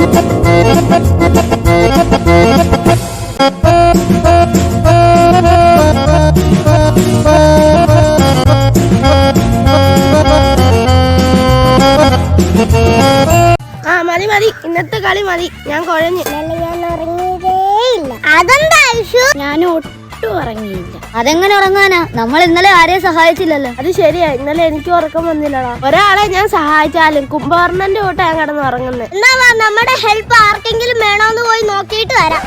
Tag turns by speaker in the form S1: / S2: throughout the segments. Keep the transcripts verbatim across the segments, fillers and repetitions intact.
S1: ആ മതി മതി, ഇന്നത്തെ കളി മതി. ഞാൻ കുഴഞ്ഞു.
S2: ഞാൻ ഉറങ്ങിയതേയില്ല. അതെന്താ ഐഷു?
S1: ഞാൻ ഒട്ടും ഉറങ്ങിയില്ല.
S2: അതെങ്ങനെ ഉറങ്ങാനാ? നമ്മൾ ഇന്നലെ ആരെയും സഹായിച്ചില്ലല്ലോ.
S1: അത് ശരിയാ, ഇന്നലെ എനിക്ക് ഉറക്കം വന്നില്ലടാ. ഒരാളെ ഞാൻ സഹായിച്ചാലും കുംഭകർണന്റെ കൂട്ട ഞാൻ കിടന്ന് ഉറങ്ങുന്നത്.
S2: എന്നാ വാ, നമ്മുടെ ഹെൽപ്പ് ആർക്കെങ്കിലും വേണോന്ന് പോയി നോക്കിയിട്ട് വരാം.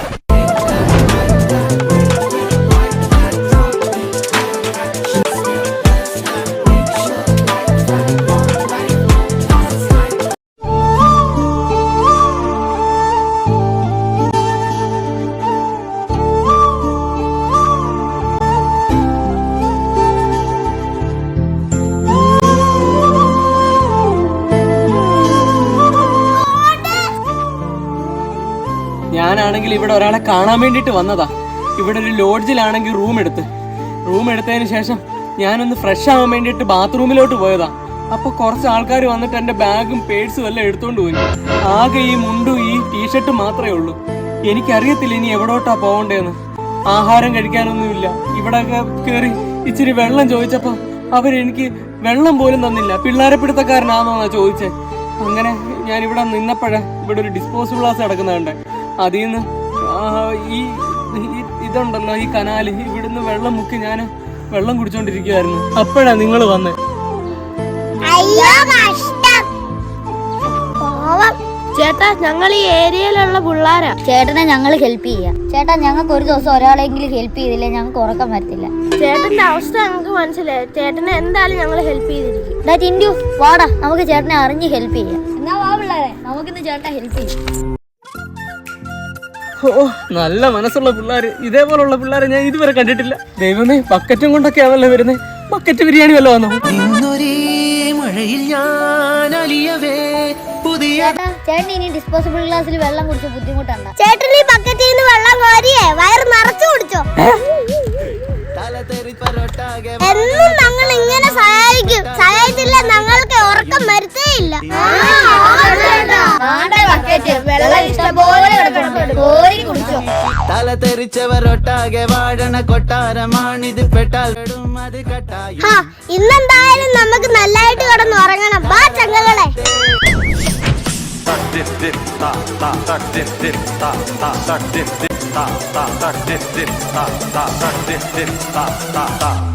S3: ഞാനാണെങ്കിൽ ഇവിടെ ഒരാളെ കാണാൻ വേണ്ടിയിട്ട് വന്നതാ. ഇവിടെ ഒരു ലോഡ്ജിലാണെങ്കിൽ റൂം എടുത്ത് റൂം എടുത്തതിന് ശേഷം ഞാനൊന്ന് ഫ്രഷ് ആവാൻ വേണ്ടിയിട്ട് ബാത്റൂമിലോട്ട് പോയതാ. അപ്പൊ കുറച്ച് ആൾക്കാർ വന്നിട്ട് എന്റെ ബാഗും പേഴ്സും എല്ലാം എടുത്തോണ്ട് പോയി. ആകെ ഈ മുണ്ടും ഈ ടീഷർട്ടും മാത്രമേ ഉള്ളൂ. എനിക്കറിയത്തില്ല ഇനി എവിടോട്ടാ പോകണ്ടേന്ന്. ആഹാരം കഴിക്കാനൊന്നുമില്ല. ഇവിടെ കയറി ഇച്ചിരി വെള്ളം ചോദിച്ചപ്പോ അവരെനിക്ക് വെള്ളം പോലും തന്നില്ല. പിള്ളേരെ പിടുത്തക്കാരനാണെന്നാ ചോദിച്ചേ. അങ്ങനെ ഞാൻ ഇവിടെ നിന്നപ്പോഴേ ഇവിടെ ഒരു ഡിസ്പോസിബിൾ ഗ്ലാസ് കിടക്കുന്നുണ്ട്. അതിൽ നിന്ന് ഈ ഇതുണ്ടല്ലോ ഈ കനാല്, ഇവിടുന്ന് വെള്ളം മുക്കി ഞാൻ വെള്ളം കുടിച്ചോണ്ടിരിക്കുവായിരുന്നു. അപ്പോഴാ നിങ്ങൾ വന്ന്.
S1: ചേട്ടാ, ഞങ്ങൾ ഈ ഏരിയയിലുള്ള പിള്ളേരാ.
S2: ചേട്ടനെ ഞങ്ങൾ ഹെൽപ്പ് ചെയ്യാം. ചേട്ടാ, ഞങ്ങൾക്ക് ഒരു ദിവസം ഒരാളെങ്കിലും ഹെൽപ്പ് ചെയ്തില്ലേ ഞങ്ങൾക്ക് ഉറക്കം വരത്തില്ല.
S1: ചേട്ടന്റെ അവസ്ഥ ഞങ്ങൾക്ക് മനസ്സിലായി. ചേട്ടനെ എന്തായാലും ഞങ്ങൾ ഹെൽപ്പ് ചെയ്തിരിക്കും.
S2: ടിൻഡു, വാടാ, നമുക്ക് ചേട്ടനെ അറിഞ്ഞ് ഹെൽപ്പ് ചെയ്യാം. എന്നാ വാ പിള്ളേരെ, നമുക്കിന്ന് ചേട്ടനെ ഹെൽപ്പ് ചെയ്യാം.
S3: ഓ, നല്ല മനസ്സുള്ള പിള്ളേര്. ഇതേപോലുള്ള പിള്ളേരെ ഞാൻ ഇതുവരെ കണ്ടിട്ടില്ല. ദൈവമേ, ബക്കറ്റും കൊണ്ടൊക്കെയാണല്ലോ വരുന്നത്. ബക്കറ്റ് ബിരിയാണി വല്ലോ വന്നോ?
S2: ചേട്ടാ, ചേട്ടൻ ഇനി ഡിസ്പോസിബിൾ ഗ്ലാസ്സിൽ വെള്ളം കുടിച്ച് ബുദ്ധിമുട്ടുണ്ട്. ചേട്ടൻ ഈ ബക്കറ്റിൽ നിന്ന് വെള്ളം കോരിയേ വയറ് നിറച്ചു കുടിച്ചോ. എന്നും ഞങ്ങൾ ഇങ്ങനെ സഹായിക്കും. സഹായിച്ചില്ല ഞങ്ങൾക്ക് ഉറക്കം വരുത്തേയില്ല.
S4: തല തെറിച്ചവരൊട്ടാകെ വാഴണ കൊട്ടാരമാണിത്. പെട്ടാൽ അത് കട്ടായി.
S2: ഇന്നെന്തായാലും നമുക്ക് നല്ലതായിട്ട് കിടന്ന് ഉറങ്ങണം. ബാ ചങ്ങകളെ.
S5: dip dip ta ta ta dip dip ta ta ta dip dip ta ta ta dip dip ta ta ta dip dip ta ta ta